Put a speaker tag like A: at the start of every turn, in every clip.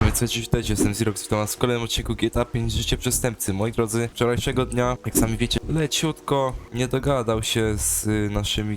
A: Więc witajcie, jestem Zirox, witam was w kolejnym odcinku GTA 5 Życie Przestępcy. Moi drodzy, wczorajszego dnia, jak sami wiecie, leciutko nie dogadał się z naszymi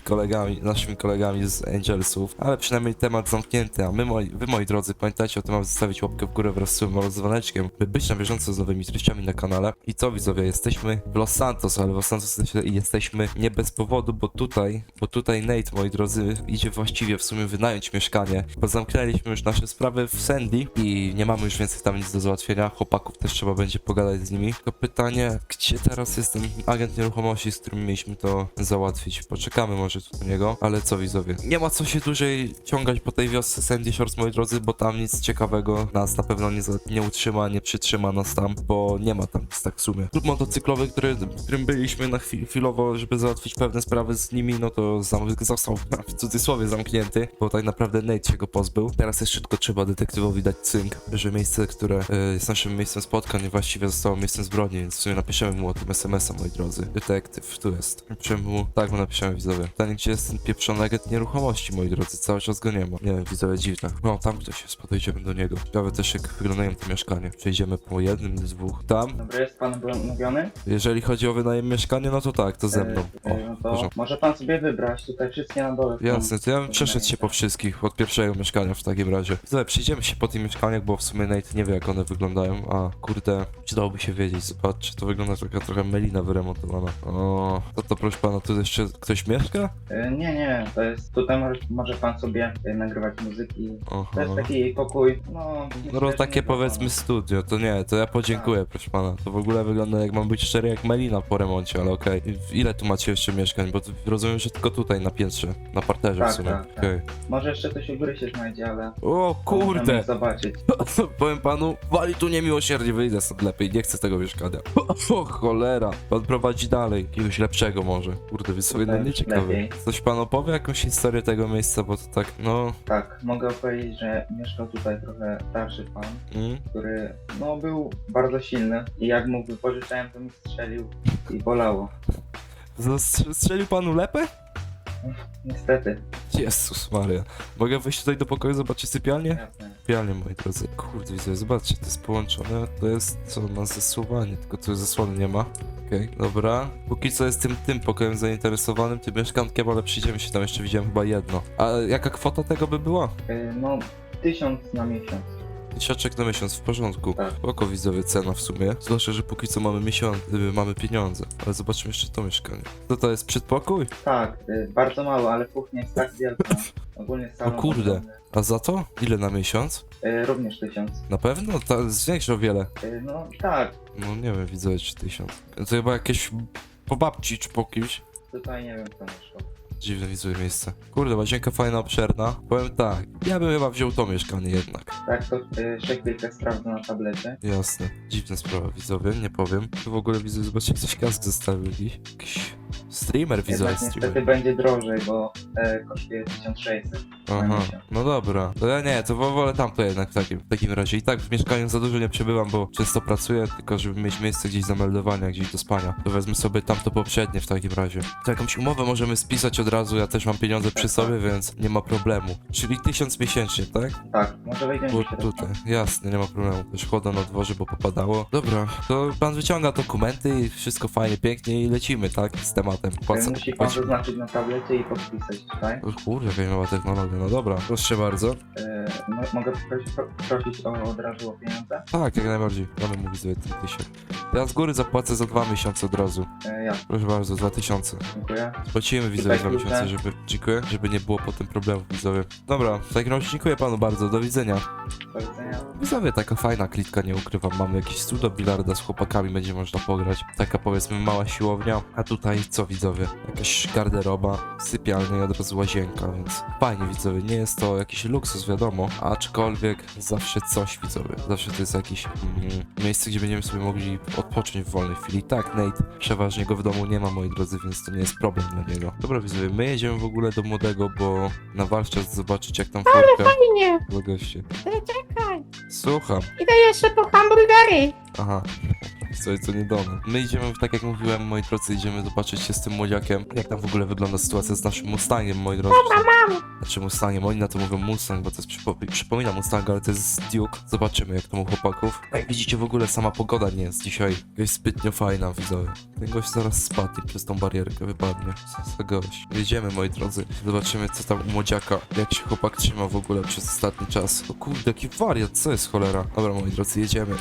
A: kolegami z Angelsów, ale przynajmniej temat zamknięty, a wy moi drodzy, pamiętajcie o tym, aby zostawić łapkę w górę wraz z subem oraz dzwoneczkiem, by być na bieżąco z nowymi treściami na kanale. I co widzowie, jesteśmy w Los Santos, ale w Los Santos jesteśmy nie bez powodu, bo tutaj Nate, moi drodzy, idzie właściwie w sumie wynająć mieszkanie, bo zamknęliśmy już nasze sprawy w Sandy i nie mamy już więcej tam nic do załatwienia. Chłopaków też trzeba będzie pogadać z nimi. Tylko pytanie, gdzie teraz jest ten agent nieruchomości, z którym mieliśmy to załatwić? Poczekamy może tu do niego, ale co widzowie? Nie ma co się dłużej ciągać po tej wiosce Sandy Shores, moi drodzy, bo tam nic ciekawego nas na pewno nie utrzyma, nie przytrzyma nas tam, bo nie ma tam nic tak w sumie. Klub motocyklowy, którym byliśmy na chwilowo, żeby załatwić pewne sprawy z nimi, no to został w cudzysłowie zamknięty, bo tak naprawdę Nate się go pozbył. Teraz jeszcze tylko trzeba detektywowi dać cynk, że miejsce, które jest naszym miejscem spotkań, właściwie zostało miejscem zbrodni, więc w sumie napiszemy mu o tym SMS-a, moi drodzy. Detektyw, tu jest. Napiszemy mu, tak mu napiszemy, widzowie. Pytanie, gdzie jest ten pieprzony agent nieruchomości, moi drodzy, cały czas go nie ma. Nie wiem, widzowie, dziwne. No, tam ktoś jest, podejdziemy do niego. Ciekawe też, jak wyglądają te mieszkania. Przejdziemy po jednym, dwóch. Tam?
B: Dobry, jest pan umówiony?
A: Jeżeli chodzi o wynajem mieszkania, no to tak, to ze mną.
B: No to
A: proszę.
B: może pan sobie wybrać, tutaj wszystkie na dole są.
A: Jasne, to ja bym przeszedł się po wszystkich, od pierwszego mieszkania w takim razie. Widzowie, przyjdziemy się po tych mieszkaniach, bo w sumie Nate nie wie, jak one wyglądają, a kurde, przydałoby się wiedzieć. Zobaczcie, to wygląda trochę melina wyremontowana. O, to proszę pana, tu jeszcze ktoś mieszka?
B: Nie, to jest, tutaj może pan sobie nagrywać muzyki.
A: Aha.
B: To jest taki pokój,
A: No takie powiedzmy studio, to nie, to ja podziękuję, proszę pana. To w ogóle wygląda, jak mam być szczery, jak melina po remoncie, ale okej. Ile tu macie jeszcze mieszkań? Bo rozumiem, że tylko tutaj na piętrze, na parterze
B: Tak,
A: w sumie.
B: tak.
A: Okej.
B: Może jeszcze coś u góry się znajdzie, ale...
A: O
B: możemy
A: kurde!
B: zobaczyć.
A: Powiem panu, wali tu niemiłosiernie, wyjdę stąd lepiej, nie chcę tego mieszkania. O cholera, pan prowadzi dalej, jakiegoś lepszego może. Kurde, więc sobie
B: Tutaj
A: nie ciekawy.
B: lepiej.
A: Coś pan opowie, jakąś historię tego miejsca, bo to tak, no...
B: Tak, mogę powiedzieć, że mieszkał tutaj trochę starszy pan, który, był bardzo silny i jak mu wypożyczałem, to mi strzelił i bolało.
A: Strzelił panu lepę?
B: Niestety.
A: Jezus Maria. Mogę wejść tutaj do pokoju, zobaczyć sypialnię?
B: Jasne.
A: Sypialnię, moi drodzy. Kurde, widzę, zobaczcie, to jest połączone, to jest co, na zasuwanie, tylko tu zasłony nie ma. Okej, dobra. Póki co jestem tym pokojem zainteresowanym, tym mieszkankiem, ale przyjdziemy się tam, jeszcze widziałem chyba jedno. A jaka kwota tego by była?
B: 1000 na miesiąc.
A: Tysiaczek na miesiąc, w porządku.
B: Tak.
A: Spoko widzowie, cena w sumie. Zwłaszcza, że póki co mamy pieniądze. Ale zobaczmy jeszcze to mieszkanie. To jest przedpokój?
B: Tak, bardzo mało, ale kuchnia jest tak wielka. Ogólnie salon...
A: O kurde. A za to? Ile na miesiąc?
B: Również 1000.
A: Na pewno? To zwiększa o wiele.
B: Tak,
A: No nie wiem, widzowie, czy 1000. To chyba jakieś po babci, czy po kimś.
B: tutaj nie wiem kto mieszkał.
A: Dziwne widzowie miejsce. Kurde, łazienka fajna, obszerna. Powiem tak, ja bym chyba wziął to mieszkanie jednak.
B: Tak, to szekwielkę sprawdzę na tablecie.
A: Jasne. Dziwna sprawa, widzowie, nie powiem. Tu w ogóle widzę, zobaczcie, ktoś kask zostawił jakiś streamer, widzowie,
B: Jednak niestety
A: streamer.
B: będzie drożej, bo kosztuje 1600 na
A: Aha,
B: miesiąc.
A: no dobra. To ja nie, to wolę tamto jednak w takim razie. I tak w mieszkaniu za dużo nie przebywam, bo często pracuję, tylko żeby mieć miejsce gdzieś zameldowania, gdzieś do spania. To wezmę sobie tamto poprzednie w takim razie. To jakąś umowę możemy spisać od razu, ja też mam pieniądze przy sobie, więc nie ma problemu. Czyli 1000 miesięcznie, tak?
B: Tak, może wejdziemy
A: Bo
B: do środka.
A: tutaj, jasne, nie ma problemu. Też chłoda na dworze, bo popadało. Dobra, to pan wyciąga dokumenty i wszystko fajnie, pięknie i lecimy, tak? Z tematem.
B: Musi pan zaznaczyć na tablecie i podpisać tutaj.
A: O kurde, jaka nowa technologia, no dobra, proszę bardzo.
B: Mogę prosić od razu o pieniądze?
A: Tak, jak najbardziej. Mamy mówić sobie 1000. Ja z góry zapłacę za 2 miesiące od razu.
B: Ja,
A: Proszę bardzo, 2000.
B: dziękuję.
A: Spłacimy widzowie 2
B: klucze.
A: miesiące, dziękuję, żeby nie było potem problemów widzowie. Dobra, w takim razie dziękuję panu bardzo, do widzenia.
B: Do widzenia.
A: Widzowie, taka fajna klitka, nie ukrywam, mamy jakiś stół do bilarda z chłopakami, będzie można pograć. Taka powiedzmy mała siłownia, a tutaj co widzowie? Jakaś garderoba, sypialnia i od razu łazienka, więc fajnie widzowie, nie jest to jakiś luksus wiadomo, aczkolwiek zawsze coś widzowie, zawsze to jest jakieś miejsce, gdzie będziemy sobie mogli odpocząć w wolnej chwili. Tak, Nate przeważnie go w domu nie ma, moi drodzy, więc to nie jest problem dla niego. Dobra widzowie, my jedziemy w ogóle do młodego, bo na warsztat zobaczyć jak tam furtka.
C: Fajnie,
A: Goście.
C: czekaj.
A: Słucham.
C: Idę jeszcze po hamburgery.
A: Aha. co nie do mnie. My idziemy, tak jak mówiłem, moi drodzy, idziemy zobaczyć się z tym młodziakiem, jak tam w ogóle wygląda sytuacja z naszym Mustangiem, moi drodzy. Znaczy Mustangiem, oni na to mówią Mustang, bo to jest przypomina Mustang, ale to jest Duke. Zobaczymy, jak to u chłopaków. Jak widzicie, w ogóle sama pogoda nie jest dzisiaj jakaś zbytnio fajna, widzowie. Ten gość zaraz spadnie przez tą barierkę, wypadnie. Co za gość. Jedziemy, moi drodzy. Zobaczymy, co tam u młodziaka, jak się chłopak trzyma w ogóle przez ostatni czas. O kurde, jaki wariat, co jest cholera? Dobra, moi drodzy, jedziemy.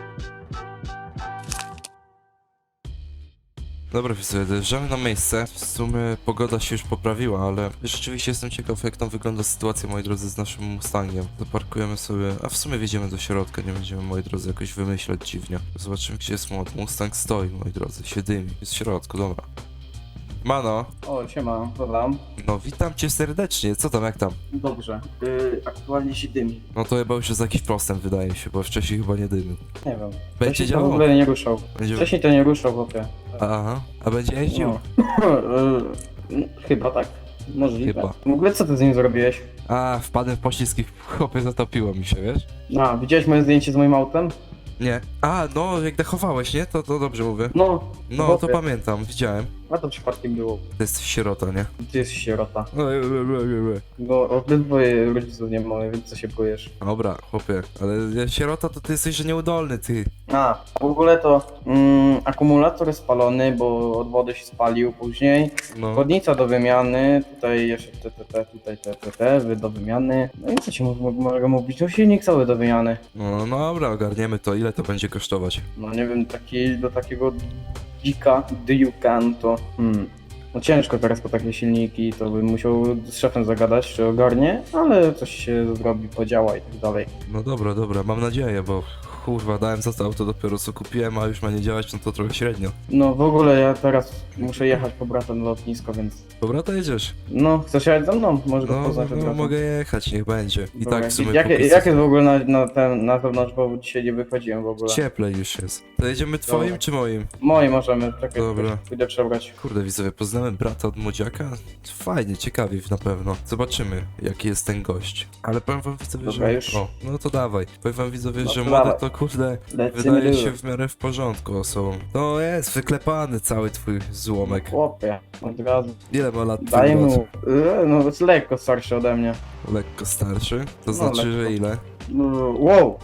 A: Dobra, widzowie, dojeżdżamy na miejsce. W sumie pogoda się już poprawiła, ale rzeczywiście jestem ciekaw, jak tam wygląda sytuacja, moi drodzy, z naszym Mustangiem. Zaparkujemy sobie, a w sumie wjedziemy do środka, nie będziemy, moi drodzy, jakoś wymyślać dziwnie. Zobaczymy, gdzie jest Mustang stoi, moi drodzy, się dymi. Jest w środku, dobra. Mano,
C: O, siema, co tam?
A: no witam cię serdecznie, co tam, jak tam?
C: Dobrze. Aktualnie się dymi.
A: No to chyba już jest jakiś postęp, wydaje mi się, bo wcześniej chyba nie dymił.
C: Nie wiem.
A: Będzie
C: Wcześniej to w
A: działał?
C: ogóle nie ruszał.
A: Będzie...
C: Wcześniej to nie ruszał, chłopie.
A: Aha, a będzie jeździł?
C: No. Chyba tak. Możliwe.
A: Chyba.
C: W ogóle co ty z nim zrobiłeś?
A: A, wpadłem w poślizg i chłopie zatopiło mi się, wiesz?
C: A, widziałeś moje zdjęcie z moim autem?
A: Nie. A, no, jak dechowałeś, nie? To dobrze mówię.
C: No.
A: No,
C: chłopie.
A: to pamiętam, widziałem.
C: A to przypadkiem było.
A: To jest sierota, nie?
C: Ty jesteś sierota. No, obydwoje rodziców nie mamy, więc co się boisz?
A: Dobra, chłopie, ale sierota to ty jesteś, że nieudolny, ty.
C: A, w ogóle to akumulator jest spalony, bo od wody się spalił później.
A: No,
C: Chłodnica do wymiany, tutaj jeszcze tutaj do wymiany. No i co ci mogę mówić? No silnik cały do wymiany.
A: no dobra, ogarniemy to. Ile to będzie kosztować?
C: No nie wiem, do takiego dzika, Duke'an to... No ciężko teraz po takie silniki, to bym musiał z szefem zagadać, czy ogarnie, ale coś się zrobi, podziała i tak dalej.
A: No dobra, mam nadzieję, bo kurwa, dałem za to auto dopiero co kupiłem, a już ma nie działać, no to trochę średnio.
C: No w ogóle ja teraz muszę jechać po brata na lotnisko, więc...
A: Dobra, to jedziesz.
C: No, chcesz jechać ze mną? Może go
A: No,
C: poznać od
A: no
C: razu.
A: mogę jechać, niech będzie. I
C: Dobra,
A: tak w sumie
C: Jak
A: póki
C: jest
A: co
C: w ogóle na zewnątrz, bo dzisiaj nie wychodziłem w ogóle.
A: cieplej już jest. To jedziemy twoim
C: Dobra.
A: czy moim?
C: Moi możemy, czekaj,
A: Dobra.
C: pójdę przebrać.
A: Kurde, widzowie, poznałem brata od młodziaka? Fajnie, ciekawie na pewno. Zobaczymy, jaki jest ten gość. Ale powiem wam, widzowie,
C: Dobra,
A: że...
C: już.
A: O, no to dawaj. Powiem wam, widzowie,
C: No
A: że
C: to
A: młody
C: dawaj.
A: to kurde...
C: Lecimy
A: Wydaje
C: dużo.
A: się w miarę w porządku osobą. To jest wyklepany cały twój złomek.
C: Chłopie, od razu.
A: Ile ma lat twój
C: Daj
A: brat?
C: mu, no jest lekko starszy ode mnie.
A: Lekko starszy? To
C: No,
A: znaczy, że
C: lekko.
A: ile?
C: No, wow,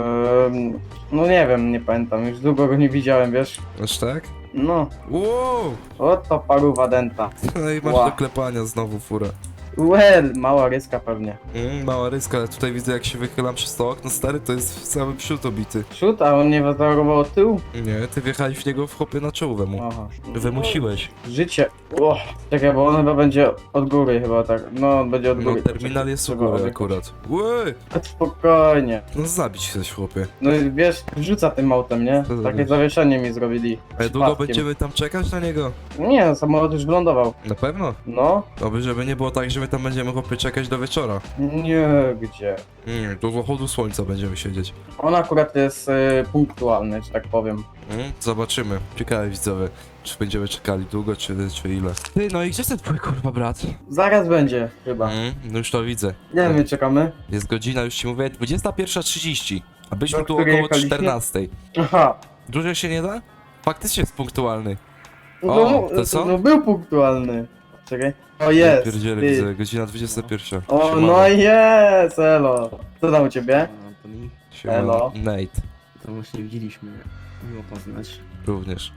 C: no nie wiem, nie pamiętam, już długo go nie widziałem, wiesz.
A: Aż tak?
C: No,
A: Wow!
C: oto paruwa denta.
A: No i masz
C: Ła.
A: do klepania znowu furę.
C: Well, mała ryska pewnie.
A: Mała ryska, ale tutaj widzę, jak się wychylam przez to okno, stary, to jest cały przód obity.
C: Przód, a on nie wazorował tył?
A: Nie, ty wjechałeś w niego w chłopie na czołówę mu.
C: Aha.
A: Wymusiłeś.
C: Życie. O, czekaj, bo on chyba będzie od góry chyba tak. No, on będzie od
A: No,
C: góry.
A: terminal jest u
C: Trzeba
A: góry
C: odjechać.
A: akurat. Łej!
C: Spokojnie.
A: No zabić chcesz, chłopie.
C: No i wiesz, rzuca tym autem, nie?
A: Co
C: Takie
A: zrobisz?
C: zawieszenie mi zrobili.
A: Ale długo
C: Przypadkiem.
A: będziemy tam czekać na niego?
C: Nie, no, samolot już wylądował.
A: Na pewno?
C: No?
A: Oby, żeby nie było tak, że my tam będziemy chłopie czekać do wieczora.
C: Nie, gdzie?
A: Do zachodu słońca będziemy siedzieć.
C: On akurat jest punktualny, że tak powiem.
A: Zobaczymy. Ciekawe widzowie, czy będziemy czekali długo, czy ile. Ty, no i gdzie jest ten twój kurwa brat?
C: Zaraz będzie, chyba.
A: No już to widzę.
C: Nie wiem, czekamy.
A: Jest godzina, już ci mówię, 21:30. A byliśmy
C: Do
A: tu
C: której
A: około
C: jechaliśmy?
A: 14:00.
C: Aha.
A: Dłużej się nie da? Faktycznie jest punktualny.
C: No,
A: O, to co?
C: no był punktualny. Czekaj. O, jest.
A: Pierdziele,
C: ty.
A: widzę, godzina 21.
C: O,
A: Siemano.
C: no jest, elo. Co tam u ciebie?
D: Antoni,
A: Siemano.
C: elo.
A: Nate,
D: to właśnie widzieliśmy, miło poznać.
A: również.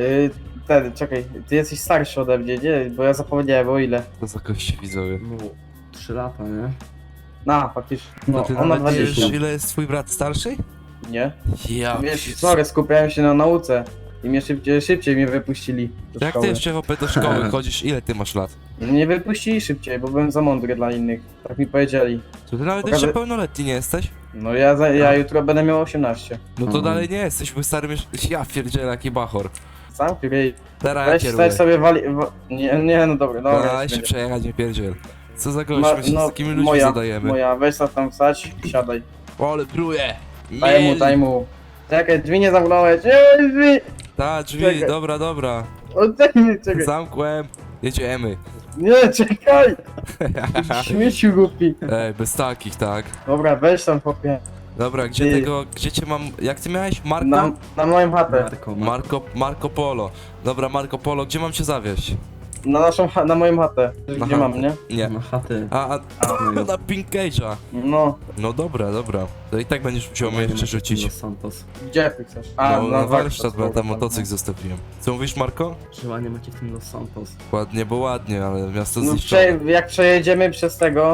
C: Czekaj, ty jesteś starszy ode mnie, nie? Bo ja zapomniałem o ile.
A: To za goście widzowie.
D: No, 3 lata, nie?
C: Faktycznie.
A: No
C: No,
A: ty
C: on ma
A: nawet nie
C: 20.
A: wiesz, ile jest twój brat starszy?
C: Nie?
A: Ja.
C: Wiesz, sorry, skupiałem się na nauce. I mnie szybciej mnie wypuścili do
A: Jak
C: szkoły.
A: ty jeszcze chłopie do szkoły chodzisz? Ile ty masz lat?
C: Nie wypuścili szybciej, bo byłem za mądry dla innych. Tak mi powiedzieli.
A: To ty nawet
C: Pokażę-
A: jeszcze pełnoletni nie jesteś?
C: No ja jutro będę miał 18.
A: No to dalej nie jesteś, bo starym już... Ja pierdzielę, jaki bachor.
C: Sam ryj.
A: Teraz ja
C: Weź
A: kieruję.
C: stać sobie nie, no dobra,
A: Daj
C: już
A: się
C: będzie.
A: przejechać, nie pierdziel. Co za gość,
C: Ma-
A: my się z takimi ludźmi
C: moja,
A: zadajemy.
C: Moja, weź sobie tam wstać, siadaj.
A: O, ale pruje!
C: Daj mu. Czekaj, drzwi nie zamknąłeś. Ej, drzwi!
A: Ta, drzwi,
C: Czekaj.
A: dobra.
C: Oddaj mi, czekaj.
A: Zamkłem. Jedziemy.
C: Nie, czekaj! Śmieciu głupi.
A: Ej, bez takich, tak?
C: Dobra, weź tam chłopie.
A: Dobra, gdzie
C: Ty.
A: tego, gdzie cię mam, jak ty miałeś? Marco?
C: Na moją chatę.
A: Marco Polo. Dobra, Marco Polo, gdzie mam cię zawieźć?
C: Na moją chatę.
A: Na
C: Gdzie
A: chatę.
C: mam, nie?
A: Nie.
D: Na chatę.
A: Na Pink Cage'a.
C: No.
A: No dobra, dobra. To i tak będziesz musiał mnie jeszcze rzucić.
D: Los Santos.
C: Gdzie ty chcesz?
A: No, na warsztat, bo ja
C: dobra,
A: tam motocykl zostawiłem. Co mówisz, Marko?
D: Że ładnie macie w tym Los Santos.
A: Ładnie, bo ładnie, ale miasto
C: No,
A: zniszczone.
C: jak przejedziemy przez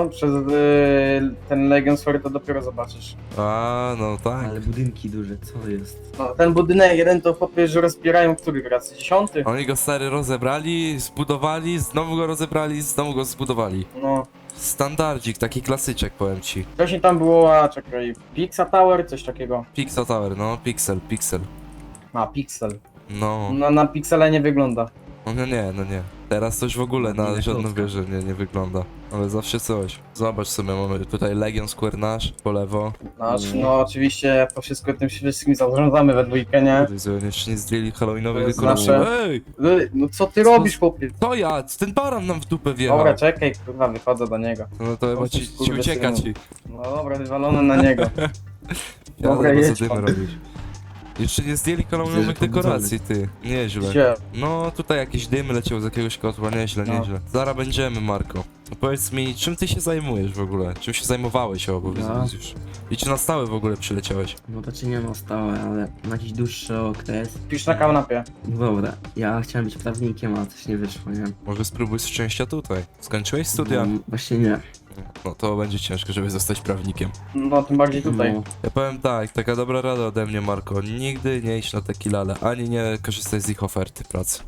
C: ten Legion Story, to dopiero zobaczysz.
A: A, no tak.
D: Ale budynki duże, co jest?
C: No, ten budynek jeden to chłopie, że rozbierają który raz? 10?
A: Oni go stary rozebrali, zbudowali, znowu go rozebrali, znowu go zbudowali.
C: No.
A: Standardzik, taki klasyczek, powiem ci.
C: Wcześniej tam było, a czekaj, Pixa Tower, coś takiego.
A: Pixel Tower, no, Pixel.
C: A, Pixel.
A: No,
C: No, na Pixele nie wygląda.
A: no nie. Teraz to już w ogóle
D: Nie
A: na żadną
D: klocka.
A: wieżę nie wygląda. Ale zawsze coś. Zobacz sobie, mamy tutaj Legion Square Nash po lewo.
C: No, oczywiście to wszystko tym wszystkim zarządzamy we dwójkę, nie?
A: Kurde, jeszcze nie zdjęli halloweenowych
C: To jest
A: dekoracji.
C: nasze.
A: Ej!
C: No co ty robisz, chłopie?
A: To ja! Ten baran nam w dupę wjechał.
C: Dobra, czekaj, kurwa, wychodzę do niego.
A: No to chyba
C: O,
A: ci
C: kurde,
A: ucieka
C: synu.
A: ci.
C: No dobra, wywalony na niego.
A: Ja
C: Dobra,
A: co
C: jedź
A: dymy
C: pan.
A: robisz. Jeszcze nie zdjęli halloweenowych
D: Widzę, że
A: dekoracji, ty. Nieźle.
C: Gdzie?
A: No tutaj jakieś dymy leciały z jakiegoś kotła, nieźle.
C: No.
A: Zaraz będziemy, Marko. No powiedz mi, czym ty się zajmujesz w ogóle? Czym się zajmowałeś, powiedz
D: Ja?
A: już. I czy na stałe w ogóle przyleciałeś?
D: No to czy nie ma stałe, ale na jakiś dłuższy okres.
C: Pisz na kanapie.
D: No dobra, ja chciałem być prawnikiem, a coś nie wyszło, nie?
A: Może spróbuj szczęścia tutaj. Skończyłeś studia?
D: No, właśnie nie.
A: No to będzie ciężko, żeby zostać prawnikiem.
C: No, tym bardziej tutaj.
D: No,
A: Ja powiem tak, taka dobra rada ode mnie, Marko. Nigdy nie idź na takie lale, ani nie korzystaj z ich oferty pracy.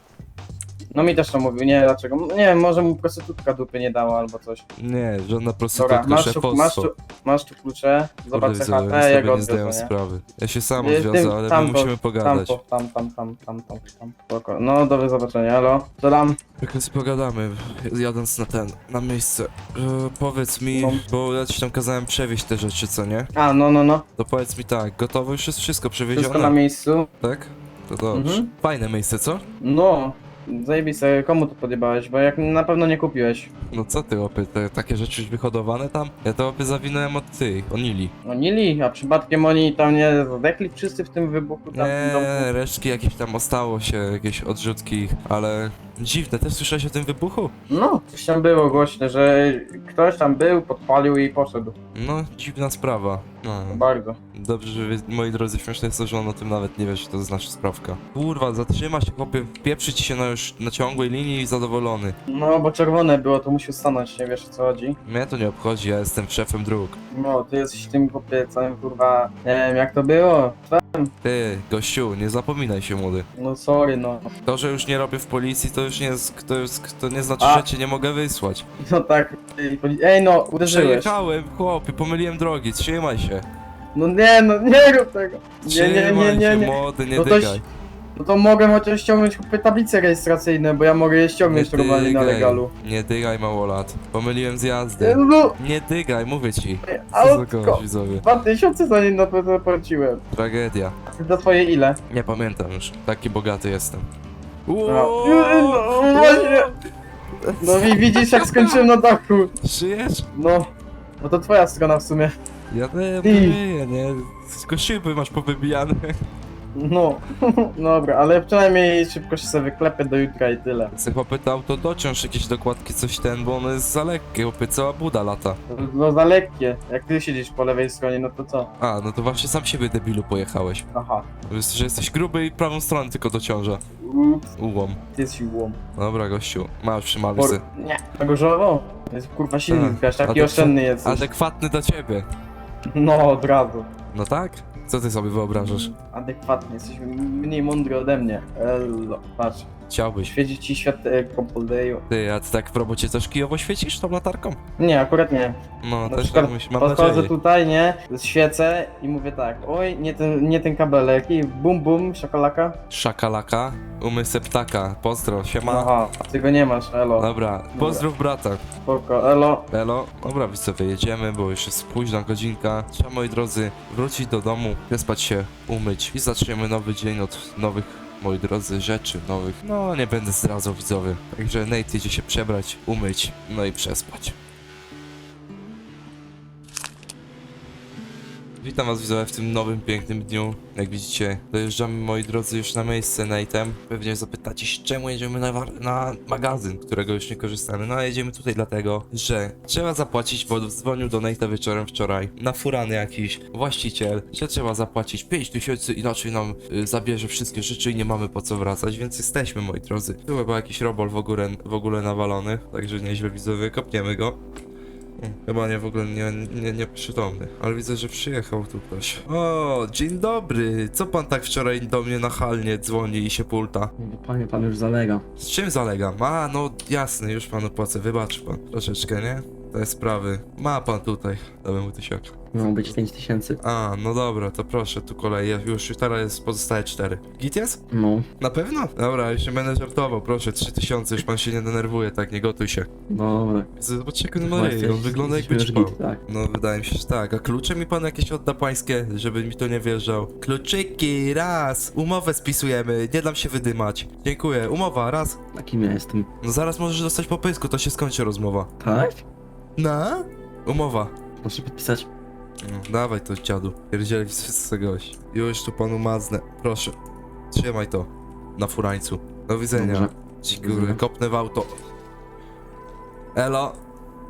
C: No mi też to mówił, nie dlaczego. Nie wiem, może mu prostytutka dupy nie dała albo coś.
A: Nie, żadna
C: Dobra,
A: prostytutka, szefostwo.
C: masz tu klucze, zobacz
A: Kurde,
C: se chatę,
A: widzowie,
C: ja
A: sobie
C: go
A: nie zdają
C: odwiozę, nie?
A: sprawy. Ja się sam
C: Tym-
A: odwiozę, ale my
C: tamto,
A: musimy pogadać.
C: Tam. Spoko. No, do zobaczenia, elo. Dodam.
A: Jak sobie pogadamy, jadąc na miejsce. Powiedz mi,
C: No.
A: bo ja ci tam kazałem przewieźć te rzeczy, co nie?
C: A, no.
A: To powiedz mi tak, gotowe już jest wszystko przewiezione,
C: Wszystko na miejscu.
A: tak? To dobrze.
C: Mhm.
A: Fajne miejsce, co?
C: No. Zajebiste, komu tu podjebałeś, bo jak na pewno nie kupiłeś.
A: No co ty, opy, takie rzeczy już wyhodowane tam? Ja to opy zawinąłem od Nili.
C: No Nili, a przypadkiem oni tam nie zdechli wszyscy w tym wybuchu tam w tym domku?
A: Nie, resztki jakieś tam ostało się, jakieś odrzutki, ale dziwne, też słyszałeś o tym wybuchu?
C: No, coś tam było głośne, że ktoś tam był, podpalił i poszedł.
A: No, dziwna sprawa. No.
C: Bardzo.
A: Dobrze, że moi drodzy, śmieszne jest to, że on o tym nawet nie wie, że to jest nasza sprawka. Kurwa, zatrzyma się, chłopie, pieprzy ci się już na ciągłej linii i zadowolony.
C: No, bo czerwone było, to musiał stanąć, nie wiesz o co chodzi.
A: Mnie to nie obchodzi, ja jestem szefem dróg.
C: No, ty jesteś tym chłopie całym kurwa, nie wiem jak to było.
A: Ty, gościu, nie zapominaj się, młody.
C: No sorry, no.
A: To, że już nie robię w policji, to już nie jest, to nie znaczy,
C: A.
A: że cię nie mogę wysłać.
C: No tak, ej no, uderzyłeś.
A: Przejechałem, chłopie, pomyliłem drogi, trzymaj się.
C: No nie rób tego.
A: Trzymaj
C: Nie.
A: się, młody, nie
C: No to
A: dygaj.
C: No to mogę chociaż ściągnąć chłopie tablice rejestracyjne, bo ja mogę je ściągnąć normalnie na legalu.
A: Nie dygaj, małolat. Pomyliłem z jazdy.
C: No,
A: Nie dygaj, mówię ci. Co za
C: autko.
A: gość, widzowie.
C: 2000 za nie na to zapłaciłem.
A: Tragedia.
C: Za twoje ile?
A: Nie pamiętam już. Taki bogaty jestem.
C: No właśnie. No i widzisz jak skończyłem na dachu.
A: Żyjesz?
C: No. No to twoja strona w sumie.
A: Ja nie
C: Ty.
A: wiem, nie. Tylko szyby masz powybijane.
C: No. Dobra, ale przynajmniej szybko się sobie wyklepię do jutra i tyle.
A: Chcę popytał, to dociąż jakieś dokładki, coś bo ono jest za lekkie, chłopie, cała buda lata.
C: No za lekkie. Jak ty siedzisz po lewej stronie, no to co?
A: A, no to właśnie sam siebie debilu pojechałeś.
C: Aha.
A: Wiesz, że jesteś gruby i prawą stronę tylko dociąża.
C: Ups,
A: Ułom.
C: ty jest siłą.
A: Dobra, gościu, masz przymaluj se.
C: Nie. Tego żoło? Jest kurwa silnik,
A: Tak.
C: wiesz, taki
A: Adekwa-
C: oszczędny jest.
A: Adekwatny do ciebie.
C: No, od razu.
A: No tak? Co ty sobie wyobrażasz?
C: Adekwatnie, jesteś mniej mądry ode mnie. Elo, patrz.
A: Chciałbyś.
C: Świeci ci światełko po leju.
A: Ty, a ty tak w robocie też kijowo świecisz tą latarką?
C: Nie, akurat nie.
A: No,
C: Na
A: też
C: przykład
A: tak myślę, mam
C: podchodzę
A: nadzieję.
C: tutaj, nie, świecę i mówię tak, oj, nie ten kabelek i bum bum, szakalaka.
A: Szakalaka, umysł ptaka, pozdro, siema.
C: Aha, a ty go nie masz, elo.
A: Dobra, pozdrów brata.
C: Spoko, elo.
A: Elo, dobra, widzowie, jedziemy, bo już jest późna godzinka. Trzeba, moi drodzy, wrócić do domu, wyspać się, umyć i zaczniemy nowy dzień od nowych, moi drodzy, rzeczy nowych. No, nie będę zdradzał, widzowie. Także Nate idzie się przebrać, umyć, no i przespać. Witam was widzowie w tym nowym, pięknym dniu. Jak widzicie, dojeżdżamy, moi drodzy, już na miejsce Nate'em. Pewnie zapytacie się, czemu jedziemy na magazyn, którego już nie korzystamy. No a jedziemy tutaj dlatego, że trzeba zapłacić, bo dzwonił do Nate'a wieczorem wczoraj na furany jakiś właściciel, że trzeba zapłacić 5000, inaczej nam zabierze wszystkie rzeczy i nie mamy po co wracać, więc jesteśmy, moi drodzy. Tu chyba jakiś robol w ogóle nawalony, także nieźle widzowie, kopniemy go. Chyba nie, w ogóle nie przytomny, ale widzę, że przyjechał tu ktoś. O, dzień dobry! Co pan tak wczoraj do mnie nachalnie dzwoni i się pulta?
D: Bo panie, pan już zalega.
A: Z czym zalegam? A, no jasne, już panu płacę, wybacz pan. Troszeczkę, nie? Te sprawy. Ma pan tutaj. Damy mu tysiaka.
D: Miało być 5000.
A: A, no dobra, to proszę, tu kolej. Już teraz jest pozostałe 4. Git jest?
D: No,
A: Na pewno? Dobra, już nie będę żartował, proszę, 3000, już pan się nie denerwuje, tak, nie gotuj się.
D: dobra.
A: Zobaczcie, jak on ma ryj, on wygląda jakby
D: już
A: ćpał.
D: git, tak.
A: No, wydaje mi się, że tak. A klucze mi pan jakieś odda pańskie, żeby mi to nie wjeżdżał? Kluczyki, raz! Umowę spisujemy, nie dam się wydymać. Dziękuję, umowa, raz.
D: Takim ja jestem.
A: No zaraz możesz dostać po pysku, to się skończy rozmowa.
D: Tak?
A: Na? Umowa.
D: Proszę podpisać.
A: No, dawaj to, dziadu. Pierdzieli wszyscy gość. Już tu panu maznę. Proszę. Trzymaj to. Na furańcu. Do widzenia.
D: Dobrze.
A: Ci
D: Do widzenia.
A: góry, kopnę w auto. Elo.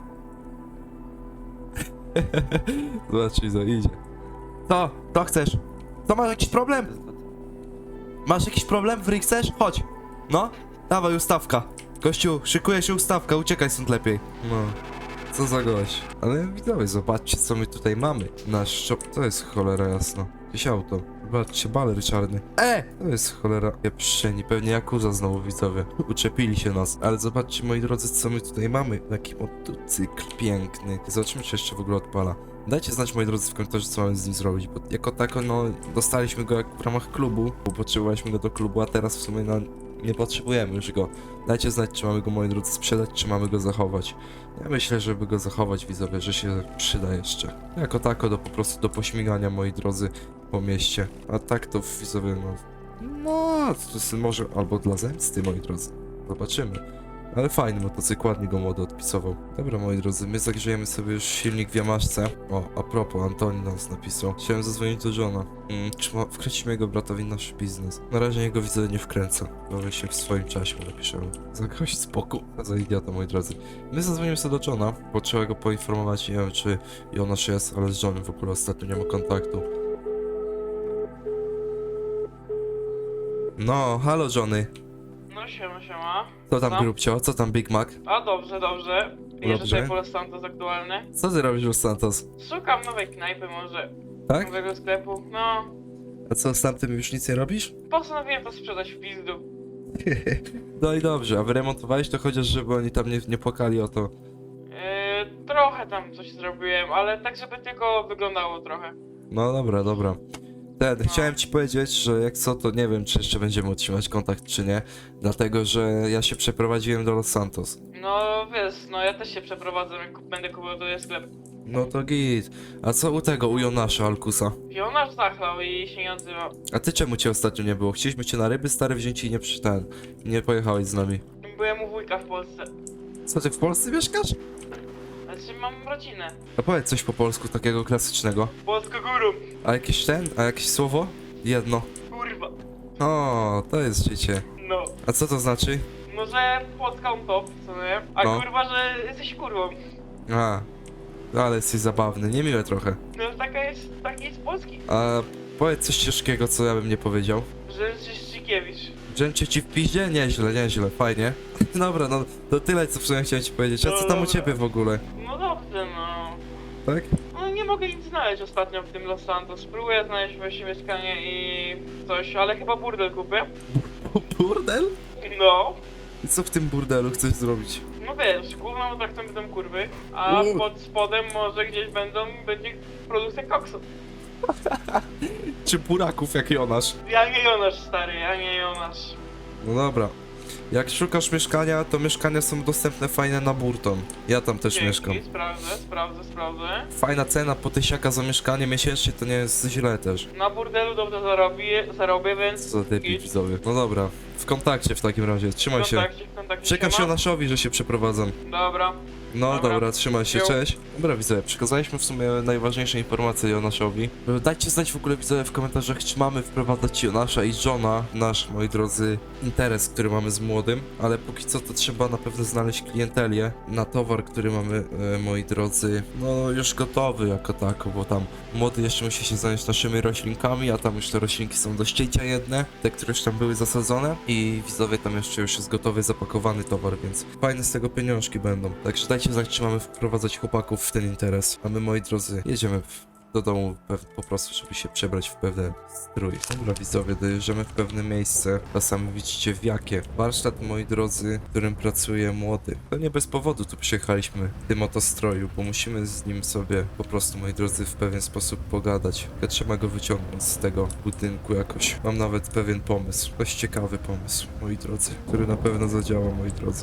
A: Zobacz, co idzie. To chcesz? To masz jakiś problem? Masz jakiś problem? Wryj chcesz? Chodź. No. Dawaj, ustawka. Gościu, szykuje się ustawka, uciekaj stąd lepiej. No. Co za gość. Ale widzowie, zobaczcie co my tutaj mamy. Nasz shop, to jest cholera jasno. Jakieś auto. Zobaczcie, baler czarny. To jest cholera pieprzeni, pewnie Yakuza znowu widzowie. Uczepili się nas. Ale zobaczcie moi drodzy, co my tutaj mamy. Taki motocykl piękny. Zobaczymy, czy jeszcze w ogóle odpala. Dajcie znać moi drodzy w komentarzu, co mamy z nim zrobić, bo jako tako no dostaliśmy go jak w ramach klubu, bo potrzebowaliśmy go do klubu, a teraz w sumie no nie potrzebujemy już go. Dajcie znać, czy mamy go, moi drodzy, sprzedać, czy mamy go zachować. Ja myślę, żeby go zachować, widzowie, że się przyda jeszcze. Jako tako po prostu do pośmigania, moi drodzy, po mieście. A tak to, widzowie, no to jest może albo dla zemsty, moi drodzy. Zobaczymy. Ale fajny motocykl, ładnie go młody odpisował. Dobra, moi drodzy, my zagrzejemy sobie już silnik w Yamaszce. O, a propos, Antoni nas napisał. Chciałem zadzwonić do Johna. Wkręcimy jego bratowi nasz biznes. Na razie jego widzę nie wkręca. Może się w swoim czasie napiszemy. Za gość spokój. A za idiota, moi drodzy. My zadzwonimy sobie do Johna, bo trzeba go poinformować, nie wiem czy Jonasz jest, ale z Johnem w ogóle ostatnio nie ma kontaktu. No, halo Johnny.
E: No siema.
A: Co tam
E: No.
A: grubcio? Co tam Big Mac?
E: A dobrze. Jeżdżę
A: Dobrze.
E: sobie po Los Santos aktualny.
A: Co ty robisz, Los Santos?
E: Szukam nowej knajpy może.
A: Tak?
E: Nowego sklepu. No.
A: A co, z tamtym już nic nie robisz?
E: Postanowiłem to sprzedać w pizdu.
A: No i dobrze, a wyremontowałeś to chociaż, żeby oni tam nie płakali o to.
E: Trochę tam coś zrobiłem, ale tak żeby tylko wyglądało trochę.
A: No dobra. Chciałem ci powiedzieć, że jak co, to nie wiem, czy jeszcze będziemy utrzymać kontakt, czy nie. Dlatego, że ja się przeprowadziłem do Los Santos.
E: No wiesz, no ja też się przeprowadzę, jak będę kupował tutaj sklep.
A: No to git. A co u tego, u Jonasza Alkusa?
E: Pionarz zachlał i się nie odzywał.
A: A ty czemu cię ostatnio nie było? Chcieliśmy cię na ryby stare wziąć i nie pojechałeś z nami.
E: Byłem u wujka w Polsce.
A: Co, ty w Polsce mieszkasz?
E: Znaczy mam rodzinę.
A: A powiedz coś po polsku takiego klasycznego.
E: Polsko górą.
A: A jakieś słowo? Jedno.
E: Kurwa.
A: O, to jest życie.
E: No.
A: A co to znaczy?
E: No że Polska on top, co nie? A
A: No.
E: kurwa, że jesteś kurwą.
A: A, ale jesteś zabawny, niemiłe trochę.
E: No taki jest polski.
A: A powiedz coś ciężkiego, co ja bym nie powiedział.
E: Że jesteś Szczykiewicz.
A: Drzęcie ci w piździe? Nieźle, fajnie. Dobra, no to tyle, co w sumie chciałem ci powiedzieć. A co tam u ciebie w ogóle?
E: No dobrze, no.
A: Tak?
E: No nie mogę nic znaleźć ostatnio w tym Los Santos. Spróbuję znaleźć właśnie mieszkanie i coś, ale chyba burdel kupię.
A: Burdel?
E: No.
A: I co w tym burdelu chcesz zrobić?
E: No wiesz, główną atrakcją będą kurwy, a
A: U.
E: pod spodem może gdzieś będzie produkcja koksu.
A: Czy buraków jak Jonasz?
E: Ja nie Jonasz, stary, ja nie Jonasz.
A: No dobra. Jak szukasz mieszkania, to mieszkania są dostępne fajne na Burton. Ja tam też
E: Dzięki,
A: mieszkam.
E: sprawdzę.
A: Fajna cena po tysiaka za mieszkanie miesięcznie, to nie jest źle też.
E: Na burdelu dobrze zarobię, więc...
A: Co za typi widzowie. No dobra, w kontakcie w takim razie, trzymaj się.
E: W kontakcie,
A: Czekam się
E: siema.
A: Jonaszowi, że się przeprowadzam.
E: Dobra.
A: No
E: Dobra.
A: dobra, trzymaj się,
E: Jo.
A: cześć. Dobra widzowie, przekazaliśmy w sumie najważniejsze informacje Jonaszowi. Dajcie znać w ogóle widzowie w komentarzach, czy mamy wprowadzać Jonasza i Johna w nasz, moi drodzy, interes, który mamy z młodym, ale póki co to trzeba na pewno znaleźć klientelię na towar, który mamy, moi drodzy, no już gotowy jako tako, bo tam młody jeszcze musi się zająć naszymi roślinkami, a tam już te roślinki są do ścięcia jedne, te, które już tam były zasadzone i widzowie tam jeszcze już jest gotowy, zapakowany towar, więc fajne z tego pieniążki będą. Także dajcie znać, czy mamy wprowadzać chłopaków w ten interes. A my, moi drodzy, jedziemy do domu po prostu, żeby się przebrać w pewien strój. Dobra widzowie, dojeżdżamy w pewne miejsce, a sami widzicie w jakie. Warsztat, moi drodzy, w którym pracuje młody. To nie bez powodu tu przyjechaliśmy w tym oto stroju, bo musimy z nim sobie po prostu, moi drodzy, w pewien sposób pogadać. Ja trzeba go wyciągnąć z tego budynku jakoś. Mam nawet pewien pomysł, dość ciekawy pomysł, moi drodzy, który na pewno zadziała, moi drodzy.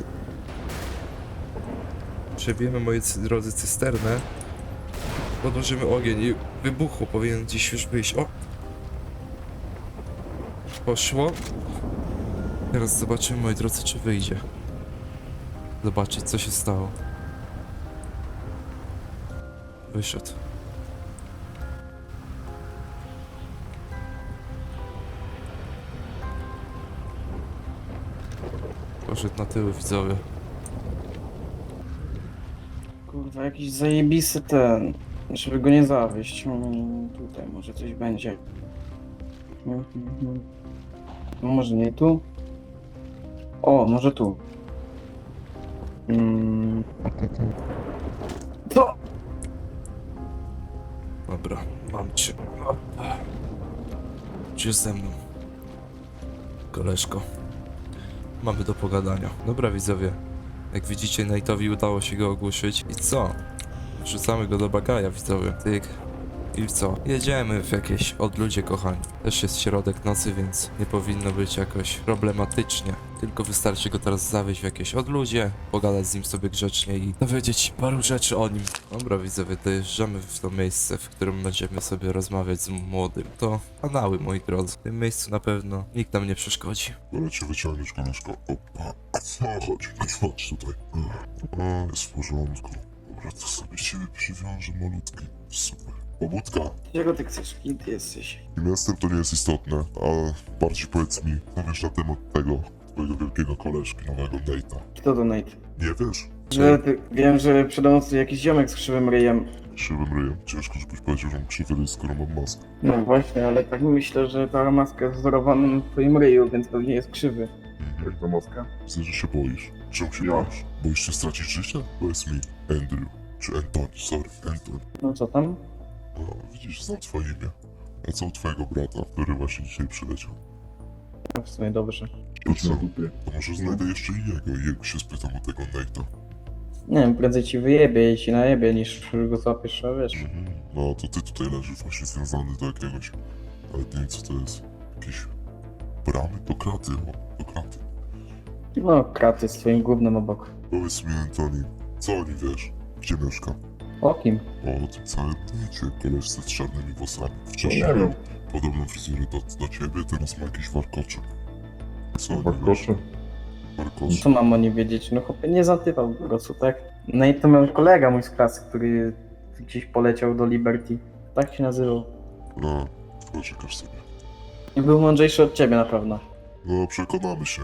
A: Przebijemy, moi drodzy, cysternę. Podłożymy ogień i wybuchło, powinien gdzieś już wyjść. O! Poszło. Teraz zobaczymy, moi drodzy, czy wyjdzie. Zobaczyć, co się stało. Wyszedł. Poszedł na tyły, widzowie.
C: Kurwa, jakiś zajebisty ten. Żeby go nie zawieść. Tutaj może coś będzie. No może nie tu? O, może tu. To!
A: Dobra, mam cię. Czy jest ze mną? Koleżko. Mamy do pogadania. Dobra widzowie. Jak widzicie, Nate'owi udało się go ogłuszyć. I co? Wrzucamy go do bagaja, widzowie. Tyk. I co? Jedziemy w jakieś odludzie, kochani. Też jest środek nocy, więc nie powinno być jakoś problematycznie. Tylko wystarczy go teraz zawieźć w jakieś odludzie, pogadać z nim sobie grzecznie i dowiedzieć paru rzeczy o nim. Dobra widzowie, dojeżdżamy w to miejsce, w którym będziemy sobie rozmawiać z młodym. To kanały, moi drodzy. W tym miejscu na pewno nikt nam nie przeszkodzi.
F: Wolę cię wyciągnąć, koleżko. Opa, a co chodź? Chodź tutaj. A, jest w porządku. Dobra, to sobie ciebie przywiążę malutki. Super. Pobudka.
C: Czego ty chcesz? Kim ty jesteś?
F: Kim jestem, to nie jest istotne, a bardziej powiedz mi, co wiesz na temat tego twojego wielkiego koleżki, nowego Nate'a.
C: Kto to Nate?
F: Nie wiesz?
C: Wiem, że przede mną stoi jakiś ziomek z krzywym ryjem.
F: Krzywym ryjem. Ciężko, żebyś powiedział, że mam krzywy ryj, skoro mam maskę.
C: No właśnie, ale tak myślę, że ta maska jest wzorowana na twoim ryju, więc pewnie jest krzywy.
F: Jak ta maska? Widzę, że się boisz. Czemu się boisz? Boisz się stracić życie? Powiedz mi, Andrew. Czy Anthony, sorry, Anthony.
C: No co tam?
F: A, widzisz, znam twoje imię. A co u twojego brata, który właśnie dzisiaj przyleciał?
C: No w sumie dobrze.
F: To co? To może znajdę jeszcze innego i jego się spytam o tego Nate'a.
C: Nie wiem, prędzej ci wyjebie i ci najebie, niż go złapiesz, a wiesz.
F: No to ty tutaj leżysz właśnie związany do jakiegoś... Nawet nie wiem co to jest. Jakieś... Bramy? Do kraty, o, do kraty.
C: No, kraty z twoim gównem obok.
F: Powiedz mi, Antoni, co o nim wiesz? Gdzie mieszka?
C: O kim?
F: O tym całym Nate'cie, koleżce z czarnymi włosami. Wcześniej miał podobną fryzurę do ciebie, teraz ma jakieś warkocze. Co o nim wiesz? Warkocze?
C: Co mam o nim wiedzieć? No chłopie, nie zatypał po prostu, tak? No i to miał kolega mój z klasy, który gdzieś poleciał do Liberty. Tak się nazywał.
F: No, poczekasz sobie.
C: I był mądrzejszy od ciebie na pewno.
F: No, przekonamy się.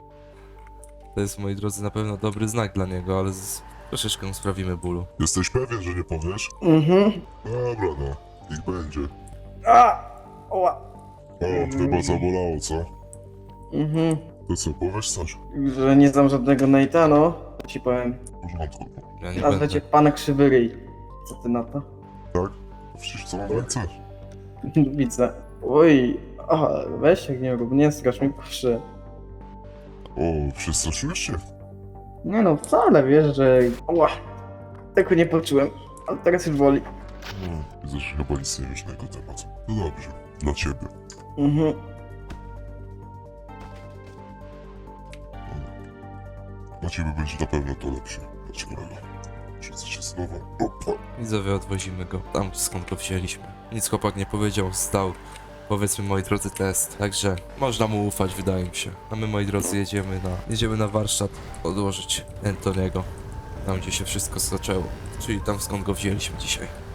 A: To jest, moi drodzy, na pewno dobry znak dla niego, ale troszeczkę mu sprawimy bólu.
F: Jesteś pewien, że nie powiesz?
C: Mhm.
F: Dobra, no. Niech będzie.
C: A! Oła!
F: O, chyba zabolało, co?
C: Mhm.
F: To co, powiesz coś?
C: Że nie znam żadnego Nate'a, no. To ci powiem.
F: W porządku.
A: Ja nie
C: Nazwę
A: będę.
C: cię pan Krzywy Ryj. Co ty na to?
F: Tak? Przecież co mam ręce?
C: Widzę. Oj, aha, weź jak nie rób, nie strasz mi, proszę.
F: O, przestraszyłeś się?
C: Nie no, wcale, wiesz, że... Ła, tego nie poczułem, ale teraz już boli.
F: No, widzę, że chyba nic nie wiesz na jego temat. No dobrze, dla ciebie.
C: Mhm.
F: Dla ciebie będzie na pewno to lepsze. Chodź, kolego. Rzucę cię znowu. Opa.
A: Widzowie, odwozimy go tam, skąd go wzięliśmy. Nic chłopak nie powiedział, zdał, powiedzmy, moi drodzy, test. Także można mu ufać, wydaje mi się. A my, moi drodzy, jedziemy na warsztat odłożyć Antoniego. Tam, gdzie się wszystko zaczęło. Czyli tam, skąd go wzięliśmy dzisiaj.